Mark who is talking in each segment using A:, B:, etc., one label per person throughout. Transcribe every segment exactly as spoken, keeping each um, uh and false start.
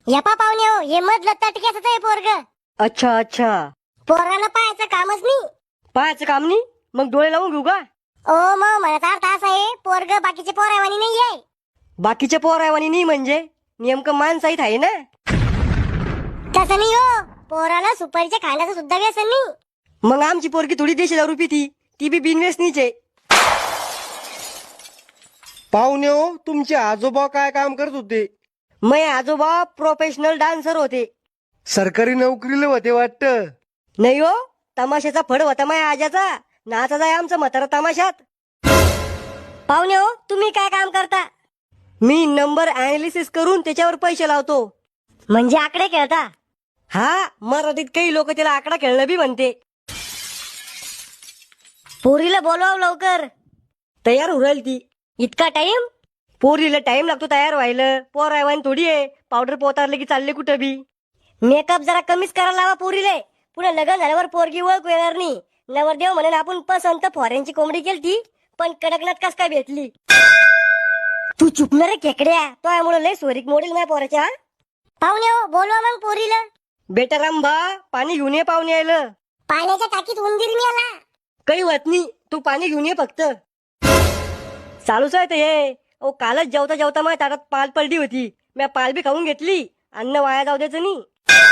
A: यपा पाहुणे हो, हे मधलं तटक्याच आहे पोरग.
B: अच्छा अच्छा.
A: पोराला पाहायचं कामच नाही.
B: पाहायचं काम नाही मग डोळे लावून घेऊ का?
A: ओ मग म्हणत अर्थ असा आहे, पोरग बाकीचे पोरावानी नाही आहे.
B: बाकीचे पोरावानी नाही म्हणजे नेमकं माणसाहीत आहे ना.
A: तसं नाही हो, पोराला सुपारीच्या खाण्याचं सुद्धा व्यसन नाही.
B: मग आमची पोरगी थोडी देशी दारू पिती, ती बी बिनव्यसनीचे.
C: पाहुणे हो, तुमचे आजोबा काय काम करत होते?
B: मै आजोबा प्रोफेशनल डान्सर होते.
C: सरकारी नोकरीला होते वाटतं.
B: नाही हो, तमाशाचा फड होता माया आजाचा. नाचा जाय आमचं म्हातारा तमाशात. पाहुणे हो, तुम्ही काय काम करता? मी नंबर अनालिसिस करून त्याच्यावर पैसे लावतो.
A: म्हणजे आकडे खेळता?
B: हा, मराठीत काही लोक त्याला आकडा खेळणं बी म्हणते.
A: पोरीला बोलवाव लवकर.
B: तयार होईल ती.
A: इतका टाइम?
B: पोरीला टाइम लागतो तयार व्हायला. पोर आहे थोडी आहे, पावडर पोतारले की चालले कुठं बी.
A: मेकअप जरा कमीच करायला लावा पोरीले. पुन्हा लग्न झाल्यावर पोरगी ओळख येणार नाही. नवरदेव म्हणून आपण पसंत फॉरेनची कोंबडी केलती, पण कडकनाथ कस काय भेटली. तू चुकणार रे खेकड्या, तो यामुळे लय सोरीक मोडील नाही पोराच्या. पाहुणे हो, बोलवा मग पोरीला.
B: बेटा रामभा, पाणी घेऊन ये पाहुणे यायला.
A: पाण्याच्या टाकीत उंदीर मी आला.
B: काही होत नाही, तू पाणी घेऊन ये फक्त. चालूच आहे ते हे. ओ कालच जेवता जेवता माझ्या ताटात पाल पलटी होती. मी पाल बी खाऊन घेतली. अन्न वाया जाऊ द्यायचं नाही.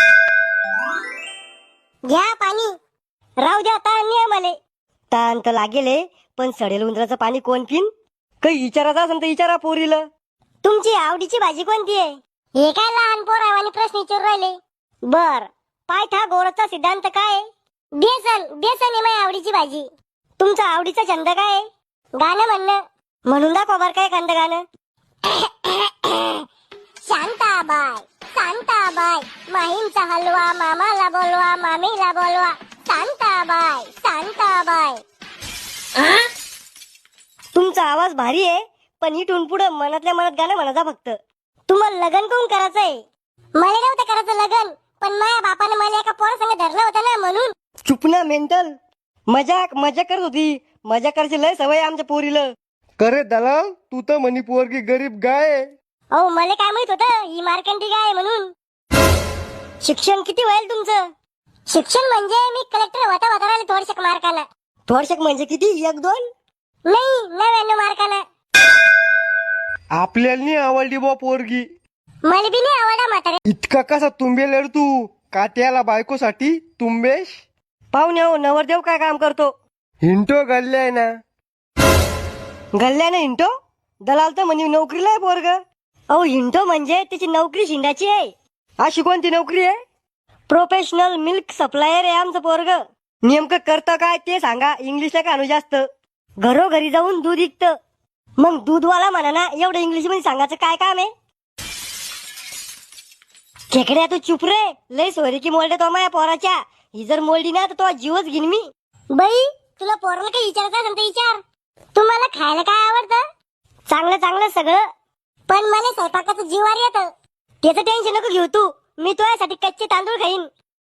A: घ्या पाणी. राहू द्या, ताण नाही आम्हाले.
B: ताण तर लागेल हे, पण सडेल उंदराचं पाणी कोण पिन? काही विचारायचं असेल तर विचारा पोरीला.
A: तुमची आवडीची भाजी कोणती आहे? हे काय लहान पोरावानी प्रश्न विचारू राहिले. बर, पायथागोरसचा सिद्धांत काय आहे? बेसन. बेसन आहे माझी आवडीची भाजी. तुमचा आवडीचा छंद काय आहे? गाणं म्हणणं. म्हणून दाखवा बर काय एखादं गाणं. शांताबाई, शांताबाई, माहीमचा हलवा मामाला बोलवा, मामीला बोलवा. शांताबाई, शांताबाई.
B: तुमचा आवाज भारी आहे, पण इथून पुढे मनातल्या मनात गाणं म्हणायचा फक्त.
A: तुम्हाला लग्न कोण करायचंय? मला नव्हतं करायचं लग्न, पण माझ्या बापाने मला एका पोरासंग धरलं होतं ना, म्हणून.
B: चुप ना मेंटल. मजाक मजा करत होती. मजा करायची लय सवय आहे आमच्या पोरीला.
C: करे दलाल, तू तर म्हणी पोरगी गरीब गाय आहे.
A: अहो, मला काय माहित होतं ही मार्कंडी गाय आहे म्हणून. शिक्षण किती होईल तुमचं? शिक्षण म्हणजे मी कलेक्टर होता होता राहिले थोडशक मार्कानं.
B: थोडशक म्हणजे किती? एक दोन
A: नाही, नव्याण्णव मार्कानं.
C: आपल्याला नाही आवडली बा पोरगी.
A: मला बी नाही आवडला म्हातारे.
C: इतका कसा तुंबेल रे तू? काट्याला बायकोसाठी तुंबेश.
B: पाहुणे हो, नवरदेव काय काम करतो?
C: हिंटो गल्ले ना.
B: गल्ल्यानं हिंटो? दलाल तर म्हणे नोकरीला आहे पोरग. अहो, हिंटो म्हणजे त्याची नोकरी शिंदाची आहे. अशी कोणती नोकरी आहे? प्रोफेशनल मिल्क सप्लायर आहे आमचं पोरग. नेमकं करतं काय ते सांगा. इंग्लिशला कानू जास्त. घरोघरी जाऊन दूध विकतं. मग दूधवाला म्हणा ना, एवढं इंग्लिश मध्ये सांगायचं काय काम आहे? खेकड्या तू चुप रे. लय सोरी की मोल्डे तो माझ्या पोराच्या. ही जर मोलडी ना तर तो जीवच घेईन मी.
A: बाई, तुला पोराला काही विचारायचं असेल तर विचार. तुम्हाला खायला काय आवडतं? चांगलं चांगलं सगळं, पण मला स्वयंपाकाचं जीवार येतं. त्याचं टेन्शन नको घेऊ तू. मी तुझ्यासाठी कच्चे तांदूळ खाईन.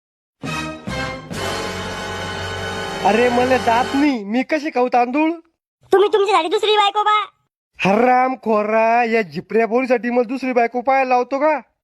C: अरे मला दात नाही, मी कशी खाऊ तांदूळ?
A: तुम्ही तुमच्यासाठी दुसरी बायको बा.
C: हराम खोरा, या झिपऱ्या पोरीसाठी मला दुसरी बायको पाहायला लावतो का?